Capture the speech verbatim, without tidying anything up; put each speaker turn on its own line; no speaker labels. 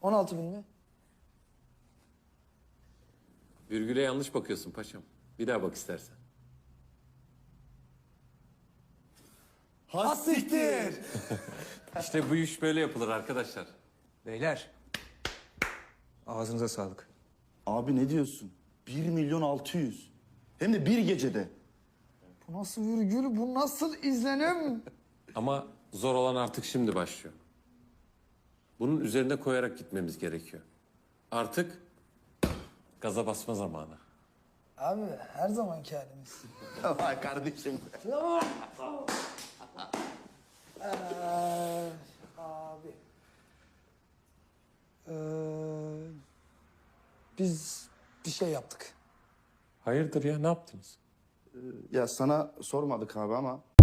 on altı bin mi?
Virgüle yanlış bakıyorsun paşam. Bir daha bak istersen.
Has siktir.
İşte bu iş böyle yapılır arkadaşlar.
Beyler, ağzınıza sağlık.
Abi ne diyorsun? Bir milyon altı yüz. Hem de bir gecede.
Bu nasıl virgül, bu nasıl izlenim?
Ama zor olan artık şimdi başlıyor. Bunun üzerine koyarak gitmemiz gerekiyor. Artık gaza basma zamanı.
Abi her zamanki halimiz.
Vay kardeşim.
Ee, abi. Ee, biz bir şey yaptık.
Hayırdır ya ne yaptınız?
Ya sana sormadık abi ama